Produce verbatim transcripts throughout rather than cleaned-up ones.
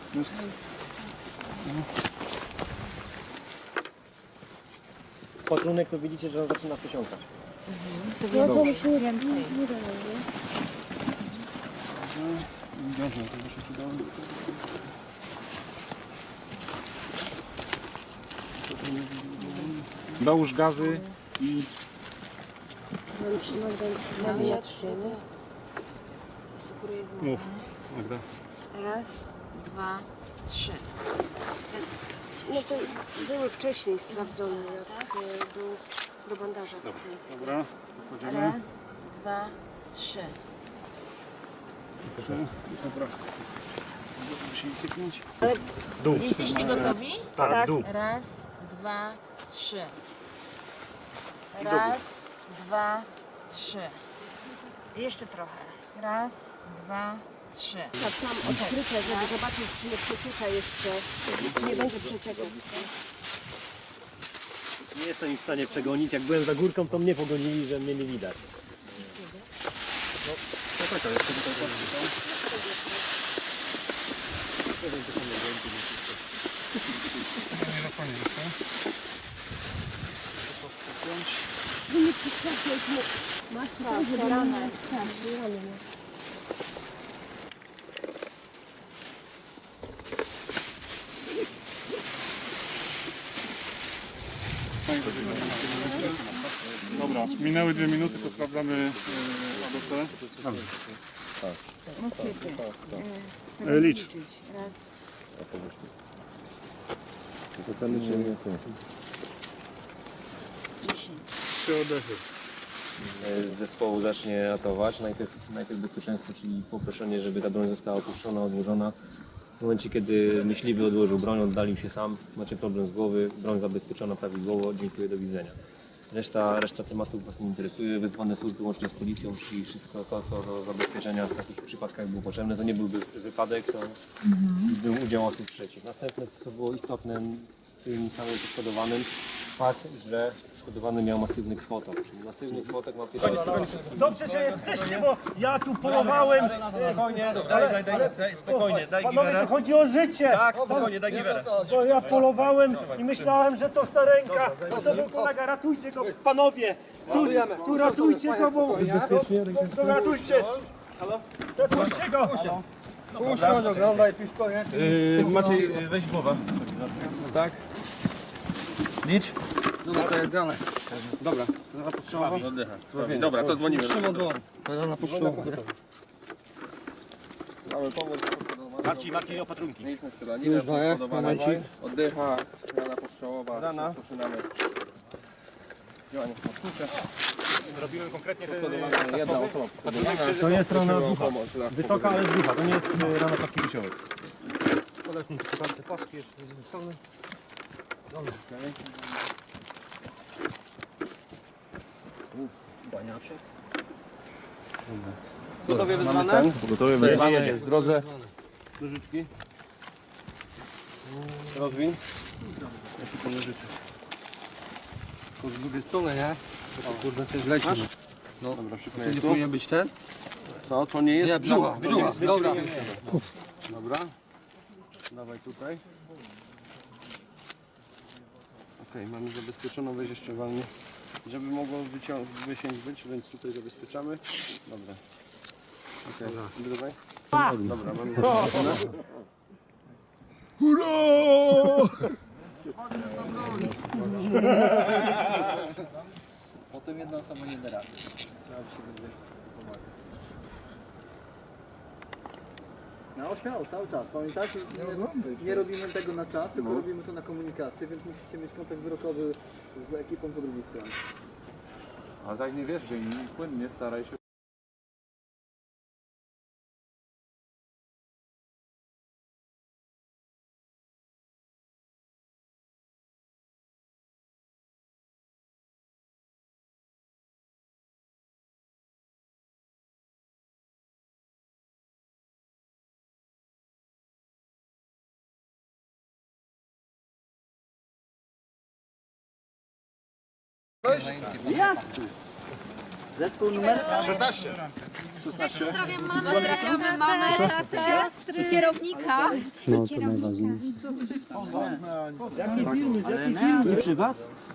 Jest. Patrunek to widzicie, że on zaczyna przesiąkać. Mhm. To więcej. więcej. Gazy, to by się przydało. Dołóż gazy i... Mam trzy, Mów, Magda. Raz, dwa, trzy. No to były wcześniej sprawdzone, jak e, był do bandaża. Tutaj. Dobra, wchodzimy. Raz, dwa, trzy. Trzy. Dobra. Musimy tyknąć. Dół. Jesteście gotowi? Tak, dół. Raz, dwa, trzy. Raz, dwa, trzy. Jeszcze trochę. Raz, dwa, trzy. Tak, tam odkryte, żeby zobaczyć, czy nie przecieka jeszcze, czy nie będzie przeciekać. Nie jestem ich w stanie przegonić. Jak byłem za górką, to mnie pogonili, że mnie nie widać. No, to taka jest, tutaj patrzcie. Nie na koniec jeszcze. To spiąć. Nie przytrafiać mu. Masz prawdę, ranę. Tak, ranę. Dobra, minęły dwie minuty, to sprawdzamy A B C. E, Licz. Raz. Oceny czy nie? Trzy oddechy. Z zespołu zacznie ratować. Najpierw, najpierw bezpieczeństwo, czyli poproszenie, żeby ta broń została opuszczona, odłożona. W momencie, kiedy myśliwy odłożył broń, oddalił się sam, macie problem z głowy, broń zabezpieczona prawidłowo, dziękuję, do widzenia. Reszta, reszta tematów Was nie interesuje, wezwane służby łącznie z policją, czyli wszystko to, co do zabezpieczenia w takich przypadkach było potrzebne. To nie byłby wypadek, to był udział osób trzecich. Następne, co było istotne w tym samym poszkodowanym, fakt, że poszkodowany miał masywny kwotok, czyli masywny kwotok ma pierwszy. Dobrze, że jesteście, bo ja tu polowałem. Spokojnie, daj, daj, daj, daj, spokojnie, daj Panowie, giwerę. tu chodzi o życie. Tak, spokojnie, daj giwerę. Bo ja polowałem i myślałem, że to starenka. A to był kolega, ratujcie go, panowie. Tu, tu ratujcie go, bo... To ratujcie. Ratujcie go. Usiądź, oglądaj, tu już koniec. Yy, Maciej, weź głowę. Tak? Licz. Dobra, to jest grane. Dobra. Oddycha. Dobra, to dzwonimy. Szymon dzwon. To na pocztową. Mamy pomoc. Marcin, Marcin, opatrunki. Mieliśmy strzelaninę, Już daję, poszkodowana. momencik. Oddycha, rana postrzałowa. Rana. Rozpoczynamy działanie pomocnicze. Robimy konkretnie te... Jedna osoba poszkodowana. To jest rana ducha. Pomoc dla Wysoka, ale z ducha. To nie jest e, rana taki wysiołek. Podać mi te paski jeszcze z jednej strony. Dobra, baniaczek. Gotowie wyzwane? Gotowy, wezwanie w drodze. Nożyczki. Rozwin. Ja ci po nożyczek. To z drugiej strony, nie? To kurde też leci. No, dobra, przykleję. To nie powinien być ten? Co? To nie jest? Nie, brzucha. Brzucha. Dobra. Dobra. Dawaj tutaj. Okej, mamy zabezpieczoną, weź jeszcze walnie. Żeby mogło wycią- wysiąść być, więc tutaj zabezpieczamy. Dobra. Okej, okay. Dawaj. Dobra, mamy zabezpieczone. Potem jedna osoba nie da rady. Trzeba się będzie pomagać. No śmiało, cały czas. Pamiętajcie, nie, nie robimy tego na czas, tylko robimy to na komunikację, więc musicie mieć kontakt wzrokowy z ekipą po drugiej stronie. Ale tak nie wiesz, że inni płynnie staraj się. Zespół numer? szesnaście. Pozdrawiam mamę, pozdrawiamy mamę, tatę, kierownika. Nie przy was?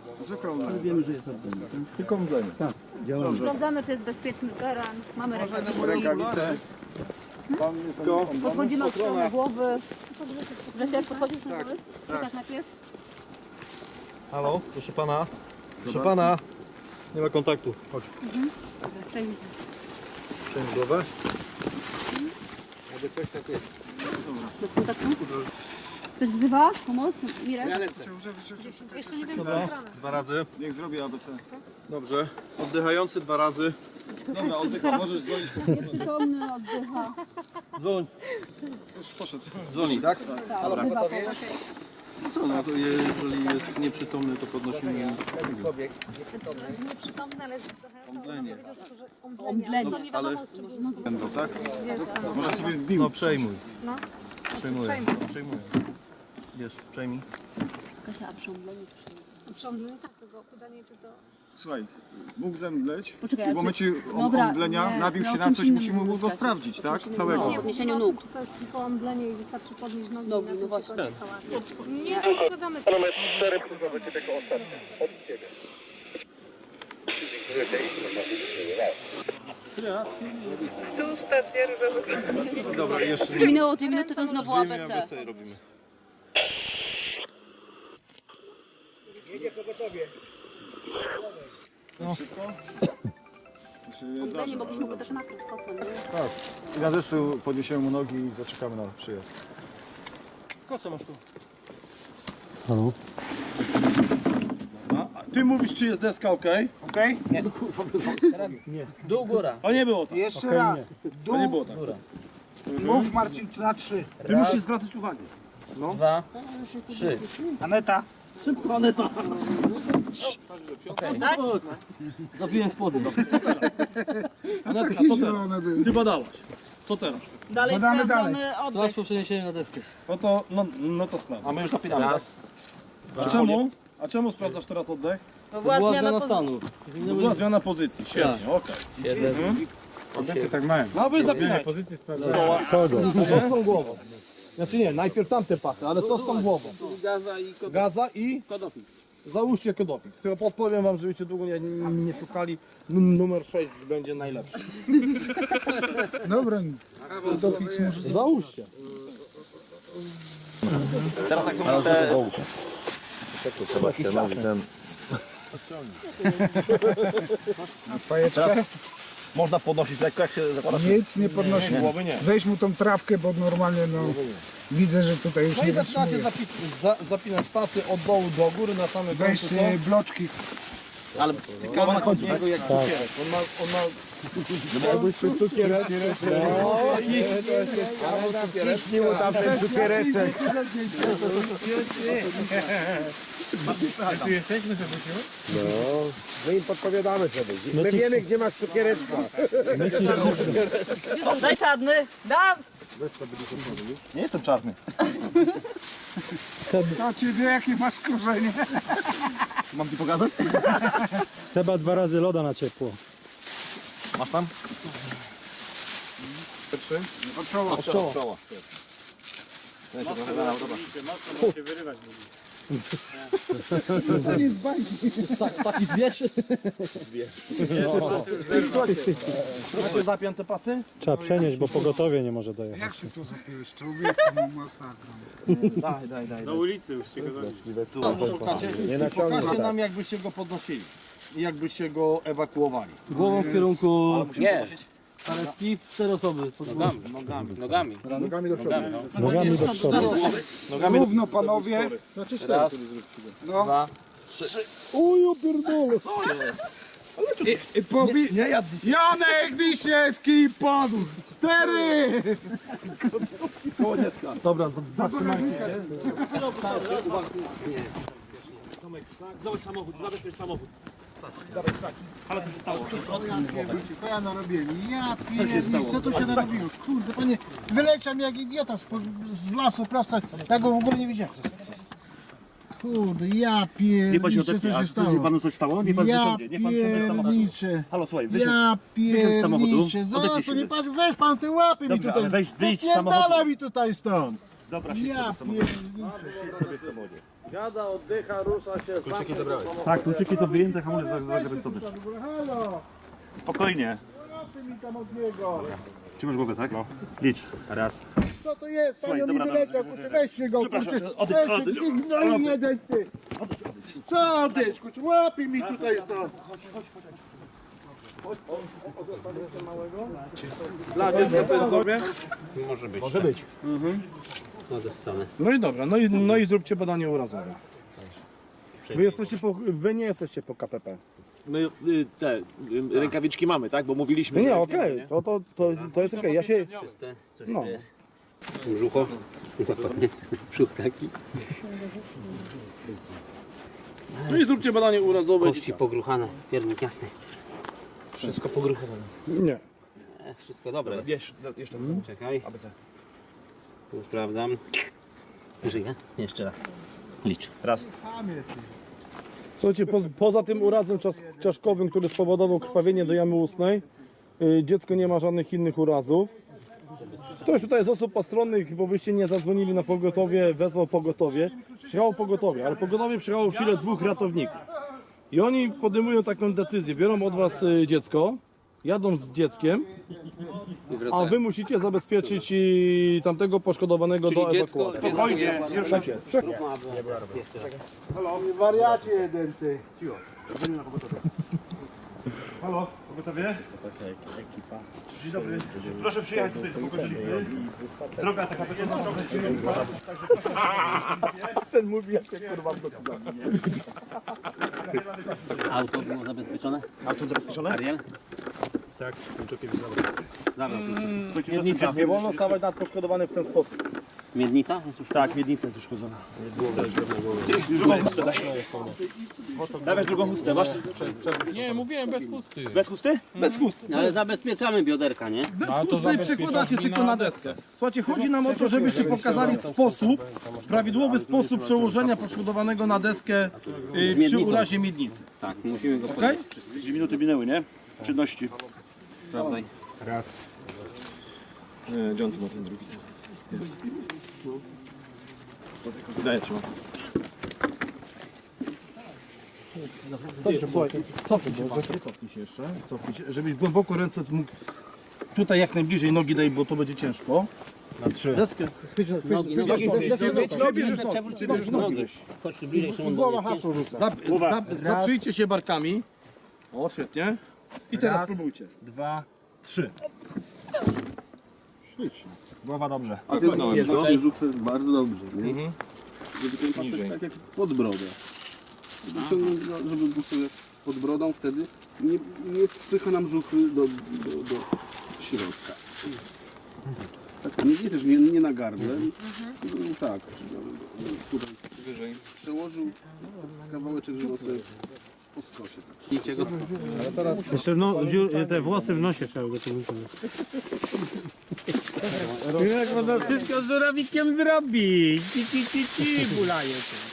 Sprawdzamy, czy jest bezpieczny teren. Mamy rękawice. Podchodzimy od strony głowy. Grzesiek, podchodzisz na głowy? Tak. Najpierw. Halo, proszę pana. Proszę pana. Nie ma kontaktu. Chodź. Przejmij. Przejmij głowę. Bez kontaktu. Ktoś wzywa? Pomoc? Mirek? Jeszcze nie wiem, co Dobra, dwa razy. Niech zrobi A B C. Dobrze. Oddychający dwa razy. Dobra, oddycha. Możesz dzwonić. Nieprzytomny, oddycha. Dzwoń. Już poszedł. Dzwoni, tak? Tak, oddycha. Co, no to jeżeli jest nieprzytomny, to podnosimy Jest nieprzytomny, ale jest omdlenie. omdlenie. To nie Ale wiadomo, z czym różni. będą, tak? Może sobie no przejmuj. No. Przejmuję. Przejmuję. Wiesz, przejmij. Kasia, a przy omdleniu to się jest. Przy omdleniu tak, tylko pytanie, czy to... Słuchaj, mógł zemdleć Poczekaj, i w ale momencie czy- om- Dobra, omdlenia nie, nabił no, się o na czymś coś, innym musimy mówimy, go Kasia. sprawdzić, tak? czymś Całego. innym. Nie, podniesieniu chodzi o to, nóg. Czy to jest tylko omdlenie i wystarczy podnieść nogi, Nogi, na tym no właśnie, się kończy ten. cała akcja. Nie, odpowiadamy. Dobra, jeszcze Nie minęło dwie minuty, to znowu A dwie B A C. B C robimy. Omdlenie mogliśmy go też nakryć kocem, nie? I na deszczu podniesiemy mu nogi i zaczekamy na przyjazd. Koca masz tu. Ty mówisz, czy jest deska ok? Ok? Dół, góra. To nie było tak. Jeszcze raz. To nie było tak. Mów Marcin na trzy. Ty musisz zwracać uwagę. Dwa, trzy. Aneta. Szybko, Aneta. Okay. Zapiłem spodnie. Co teraz? Anetka, co teraz? Ty badałaś. Co teraz? Dalej Badamy dalej. Teraz po przeniesieniu na deskę. No to, no, no to sprawdź. A my już napinamy. Raz. A czemu? A czemu sprawdzasz teraz oddech? To była, była zmiana stanu. To była zmiana pozycji. Świetnie, okej. Jeden. Oddechy tak mają. No wy zapinaj. Pozycji Kogo? Co z tą głową? Znaczy nie, najpierw tamte pasy, ale co z tą głową? Gaza i kodofil. Gaza i? Kodofil. Załóżcie kodofik. Z tego podpowiem wam, żebyście długo nie, nie, nie szukali. Num- Numer sześć będzie najlepszy. Dobra. Dofix może... Załóżcie. Teraz jak są te... Sebastian, mówi ten. Fajeczkę? Można podnosić lekko, jak się zakłada. Nic nie podnosi. Głowy nie. Weź mu tą trawkę, bo normalnie no... Widzę, że tutaj już No i nie zaczynacie wytrzymuje. zapi- za, zapinać pasy od dołu do góry na samym Weź końcu. te bloczki. Ale kawa na końcu, niego jak cukierek. On ma, on ma... Jakbyś czuł cukierek. No i... Cukierek. tam ten cukiereczek. Tu jesteśmy, żeby się... My im podpowiadamy, żeby. My wiemy, gdzie masz cukiereczka. Daj czarny. Dam. Nie jestem czarny. To ci wie, jakie masz korzenie. Mam ci pokazać? Seba dwa razy loda na ciepło. Masz tam? Od czoła. Od czoła. Czoło. się wyrywać. To jest bajki. Tak, taki zwierz. Macie zapięte pasy? Trzeba przenieść, bo pogotowie nie może dojechać. Jak się tu zapiłeś? Człowieku, masakra. Daj, daj, daj. Na ulicy już się go Pokażcie, pokażcie nam, jakbyście go podnosili i jakbyście go ewakuowali. Głową w kierunku Nie. karetki, cztery osoby. Nogami. Nogami. Nogami. Nogami do przodu. Nogami do przodu. Równo, panowie. Raz, No. dwa, Uju, pierdolę. I, i powi... Nie, ja... Janek Wiśniewski padł. Cztery. Koło dziecka. Dobra, z- zatrzymajcie się. Zobacz samochód, zabezpiecz samochód. Co ja narobiłem? Ja pierdolę, co tu się narobiło? Kurde, panie, wyleciał mnie jak idiota z, z lasu prosto. Ja go w ogóle nie widziałem. Kurde, ja pierniczę, co się stało. panu coś stało? Nie pan Ja wysiądzie, niech pan wsiądzie z samochodu. pierniczę. Halo, słuchaj, wysiądź. Ja wysiądź z samochodu. pierniczę. Odepnij Zaraz się. to nie patrz, weź pan te łapy mi Dobra, tutaj. ale weź, wyjdź z Wypierdala samochodu. mi tutaj stąd. Dobra, siedź Ja sobie w samochodzie. pierniczę. Siada, oddycha, rusza się, Kluczyki zabrałeś. Tak, kluczyki są wyjęte, hamulec zakręcony. Halo, Spokojnie. łapy mi tam od niego. Trzymasz głowę, tak? No. Licz. Raz. Co to jest? Słuchaj, Panią mi dobra, wyleciał, dobra, kurczę, weźcie go, Przepraszam, kurczę. odejdź, Weźcie, odejdź, ty gnoj jeden, ty. Co odejdź, kurczę, łapy mi tutaj stąd. Dla dziecka to jest dobre? Może być. No i dobra, no i, no i zróbcie badanie urazowe. Wy, jesteście po, wy nie jesteście po K P P. My y, te y, rękawiczki mamy, tak? Bo mówiliśmy. Nie, że- okej, to, to, to, to jest okej. Ja się... Czyste, coś No. tu jest. Brzucho. Zakładnie. Brzuch taki. No i zróbcie badanie urazowe. Kości pogruchane, piernik jasny. Wszystko pogruchowane. Nie. E, wszystko dobre. Wiesz, jeszcze Czekaj. Tu sprawdzam. Żyje? Jeszcze raz. Licz. raz. Słuchajcie, po, poza tym urazem czas, czaszkowym, który spowodował krwawienie do jamy ustnej, y, dziecko nie ma żadnych innych urazów. Ktoś tutaj z osób postronnych, bo byście nie zadzwonili na pogotowie, wezwał pogotowie. Przyjechało pogotowie, ale pogotowie przyjechało w sile dwóch ratowników. I oni podejmują taką decyzję, biorą od was y, dziecko, jadą z dzieckiem, a wy musicie zabezpieczyć y, tamtego poszkodowanego do ewakuacji. Spokojnie, już Tak jest. Prze- Wariacie jeden, ty. Halo, pogotowie? Dzień dobry. Proszę przyjechać tutaj do Pogodzielicy. Droga taka będzie na Ten mówi, jak się kurwa Auto było zabezpieczone? Auto zabezpieczone? Ariel? Tak, kluczyki zabrał. Dobra. Miednica. Nie wolno stawać nad poszkodowany w ten sposób. Miednica? Jest już Tak, miednica jest uszkodzona. Drugą chustę daj. Dawaj drugą chustę, masz? Nie, mówiłem bez chusty. Bez chusty? Bez chusty. ale zabezpieczamy bioderka, nie? Bez chusty przekładacie tylko na deskę. Słuchajcie, chodzi nam o to, żebyście pokazali sposób, prawidłowy sposób przełożenia poszkodowanego na deskę y, przy miednicą. urazie miednicy. Tak, musimy go Okej? Dwie minuty minęły, nie? Czynności. sprawdzać. Raz. John tu ma ten drugi. Daję, trzymam. Dobrze, słuchaj, cofnij się, cofnij się jeszcze, cofnij się, żebyś głęboko ręce mógł tutaj jak najbliżej nogi daj, bo to będzie ciężko. Na trzy. Deskę, chwyć, chwyć, Nogi, chwyć, nogi, deskę, deskę, nogi, deskę, nogi, bierzesz nogi, nogi, przewróć, bierzesz nogi. nogi. Chodź tu bliżej, Szymon. Głowa do mnie. hasło rzuca. Zap, zap, zaprzyjcie się barkami. O, świetnie. I teraz Raz. spróbujcie. Dwa, trzy. Ślicznie. Głowa dobrze. A ty Okej. rzucę bardzo dobrze. Nie? Żeby ten pasek tak jak pod brodę. Żeby ciągnąć, go, żeby był sobie pod brodą, wtedy nie, nie wpycha nam żuchwy do, do, do środka. Tak, nie, nie też nie, nie na gardle, no, tak, tutaj wyżej. Przełożył kawałeczek, żeby sobie po skosie. Tak. Ślijcie go. Jeszcze no, te włosy w nosie trzeba go tu wyciągnąć. Jak można wszystko z żurawikiem zrobić? Ci, ci, ci, ci, bulaje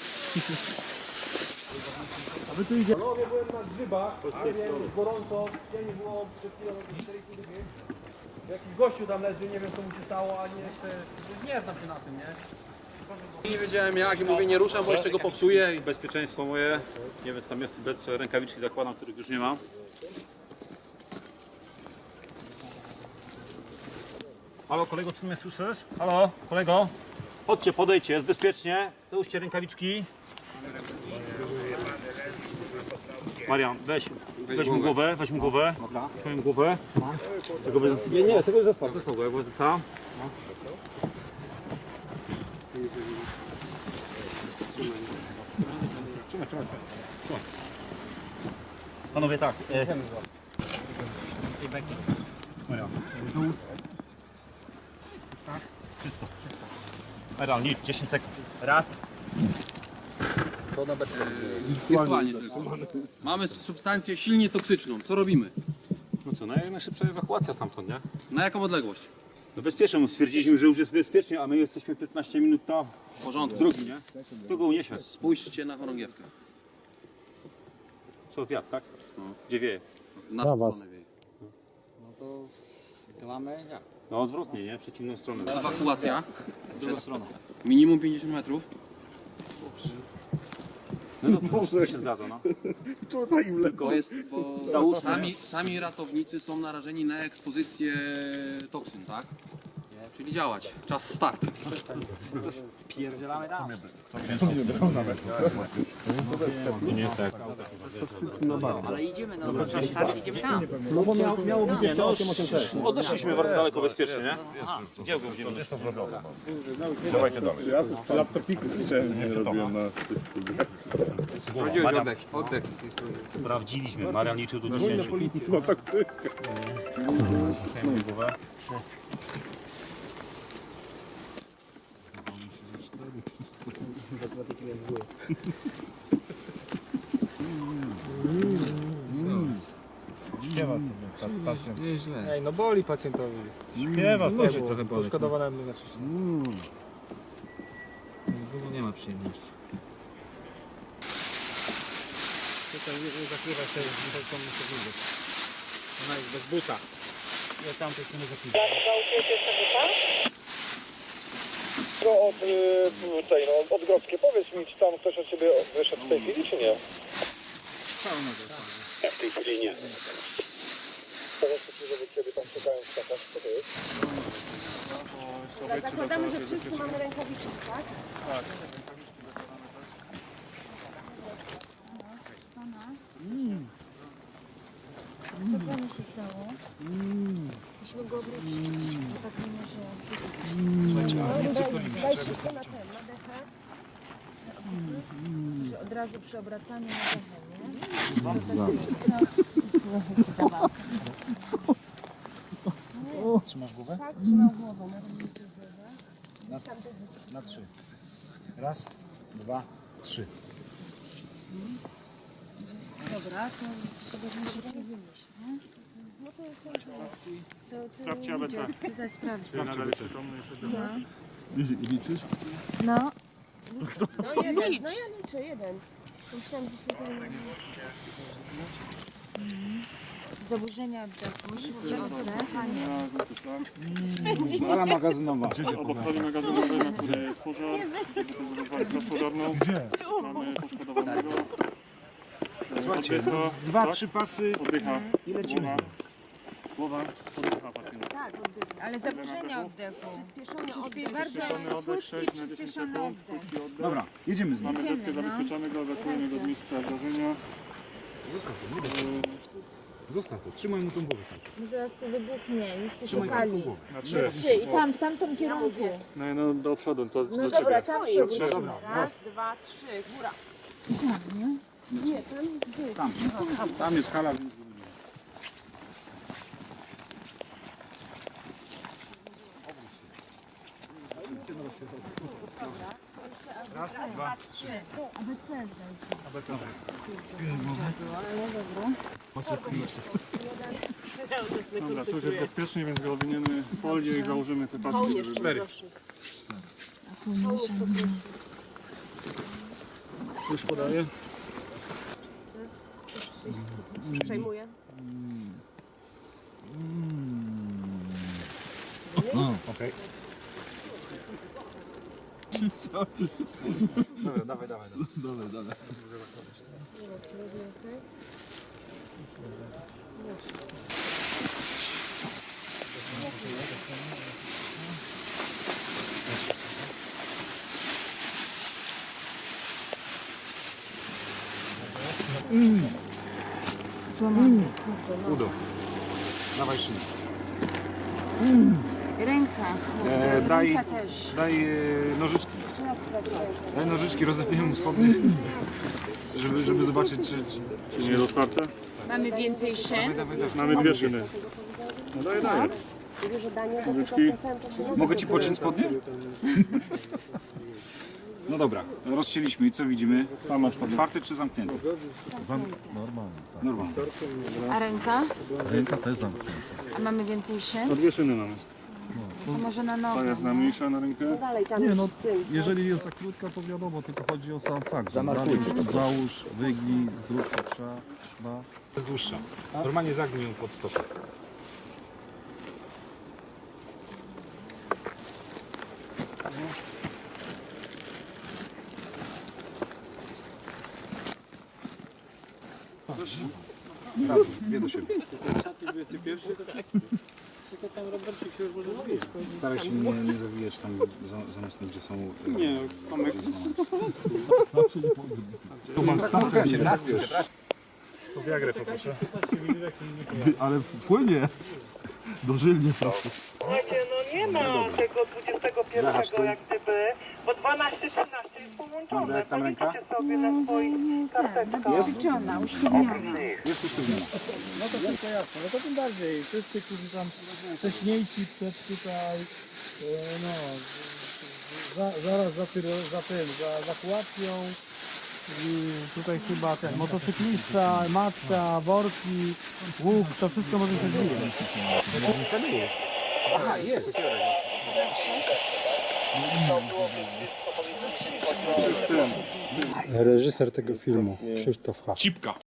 Panowie, byłem na grzybach, ale nie jest gorąco, nie było przed chwilą jakiś gościu tam leży, nie wiem co mu się stało, a nie jeszcze, nie znam się na tym, nie? Nie wiedziałem jak i mówię nie ruszam, bo jeszcze go popsuję. Bezpieczeństwo moje. Nie wiem, tam jest bez rękawiczki zakładam, których już nie ma. Halo kolego, czy mnie słyszysz? Halo, kolego? Chodźcie, podejdźcie, jest bezpiecznie. Załóżcie rękawiczki. Marian, weź, weź mu głowę, weź mu głowę. Dobra. Weź mu głowę. Tego bez... Nie, nie, tego zostaw, zostaw go, jak go zostaw. Trzymaj, trzymaj, trzymaj. Panowie, tak. E... Maria, tak? Czysto. Maria, licz, dziesięć sekund. Raz. Wirtualnie tylko. Mamy substancję silnie toksyczną. Co robimy? No co, no jak najszybsza ewakuacja stamtąd, nie? Na jaką odległość? No bezpiecznie, stwierdziliśmy, że już jest bezpiecznie, a my jesteśmy piętnaście minut na W porządku. drogi, nie? Kto go uniesie? Spójrzcie na chorągiewkę. Co, wiatr, tak? Gdzie wieje? W naszą stronę wieje. No odwrotnie, nie? W przeciwną stronę. Ewakuacja. Druga strona. Minimum pięćdziesiąt metrów. No dobrze, się zgadza, no. To jest, bo sami, sami ratownicy są narażeni na ekspozycję toksyn, tak? Czyli działać. Czas start. Ale idziemy, no, czas stary, idziemy tam. No bo miał, miało być jeszcze osiem osiem sześć. Odeszliśmy bardzo daleko bezpiecznie, nie? Gdzie go będziemy? Dawajcie dalej. Ja to laptopiku nie robiłem na Oddech, oddech. Sprawdziliśmy, Marian liczył do dziesięciu. No tak ty. Śpiewa sobie pacjent. Ej, no boli pacjentowi. Śpiewa sobie. Trochę poszkodowanemu znaczy się. Nie ma przyjemności. Tutaj nie, nie zakrywa się tą muszę. Ona jest bez buta. Ja tamtej strony zakrywa. To od y, tej, no, od Grodzkiej. Powiedz mi, czy tam ktoś od ciebie wyszedł w tej chwili, czy nie? Nie, w tej chwili nie. Powiedz ci, żeby ciebie tam czekają skakać. Co to jest? Zakładamy, że wszyscy mamy rękawiczki, tak? Tak. Co panu się stało? Musimy go obrócić. Bo tak nie może... No, daj, daj wszystko na ten, na dechę. Że od razu przy obracaniu na dechę, nie? Zabawka. Trzymasz głowę? Tak, trzymał głową. Na, Na trzy. Raz, dwa, trzy. Dobra, to sobie musicie wynieść, nie? No to jest to, to, Sprawdźcie A B C. to jest sprawdź. Nadal jest przytomny i wtedy- No. Liczysz? No. No jeden, no ja liczę, jeden. Myślałam, że się zajmę. Zaburzenia oddechu, szybki oddech, a nie. Ala magazynowa. Obok hali magazynowej na górze jest pożar. Żeby straż pożarną. Gdzie? Mamy poszkodowanego. Słuchajcie, Oddycha. dwa, Tak? trzy pasy Oddycha. i lecimy. Głowa. Głowa. Oddycha pacjent. Tak, oddycha. Ale zaburzenia oddechu. Przyspieszony oddech. Przyspieszony oddech Bardzo sześć na dziesięć sekund. Krótki oddech. Dobra, jedziemy z nim. Mamy deskę zabezpieczonego, ewakuujemy go od miejsca zdarzenia. Zostaw to, nie daj. Zostaw to, trzymaj mu tą głowę. My zaraz to wybuchnie, już tu Trzymaj szukali. mu tą głowę. Na trzy. Trzy i tam, w tamtym kierunku. No, no do przodu, to No do dobra, ciebie. tam się obrócimy. Dobra, Raz, dwa, trzy, góra. Nie, tam gdzie? Tam, tam jest hala, więc... Raz, dwa, trzy. A B C dajcie. Dobra, tu już jest bezpiecznie, więc go owiniemy w folię i założymy te paski. żeby- Cztery. Już podaję. Przejmuję. Okej. Dobra, dawaj, dawaj. Dobra, dawaj. Złamany. Udo. Dawaj szynę. Ręka. E, daj, Ręka też. daj e, nożyczki. Jeszcze raz sprawdzę. Daj nożyczki, rozepniemy mu spodnie. Żeby, żeby zobaczyć, czy... czy, Czy nie jest otwarte? Mamy więcej szyn. Dawaj, dawaj. Mamy dwie szyny. No daję, daję. Nożyczki. Mogę ci pociąć spodnie? No dobra, rozcięliśmy i co widzimy? Tam masz Otwarty czy zamknięty? Normalnie. Normalnie. A ręka? Ręka też zamknięta. A mamy więcej szyn? To dwie szyny mamy. To może na Ta nogę. jest najmniejsza na rękę. Dalej tam Nie już no, z tym. jeżeli jest za krótka, to wiadomo, tylko chodzi o sam fakt. Załóż, załóż, wygnij, zrób co trzeba. No. Jest dłuższa. Normalnie zagnij ją pod stopę. Razem, dwie do siebie. Staraj się nie, nie zawijać tam za- zamiast tam, gdzie są... Nie, Tomek. Tu mam starczy. To Viagrę poproszę. Ale płynie. Dożylnie prosto. Słuchajcie, no nie ma tego dwudziestego pierwszego jak gdyby, bo dwanaście trzynaście jest połączone. Policzycie sobie na swoich karteczkach. Uszczelniona, usztywniona. Jest usztywniona. No to wszystko jasne, no to tym bardziej. Wszyscy, którzy tam wcześniejsi przed tutaj, e, no, za, zaraz za, tyro, za tym, za, za Pułapką. I tutaj chyba ten motocyklista, matka, worki, łuk, to wszystko może się zwijać. Aha, jest. Reżyser tego filmu, Krzysztof H. Cipka.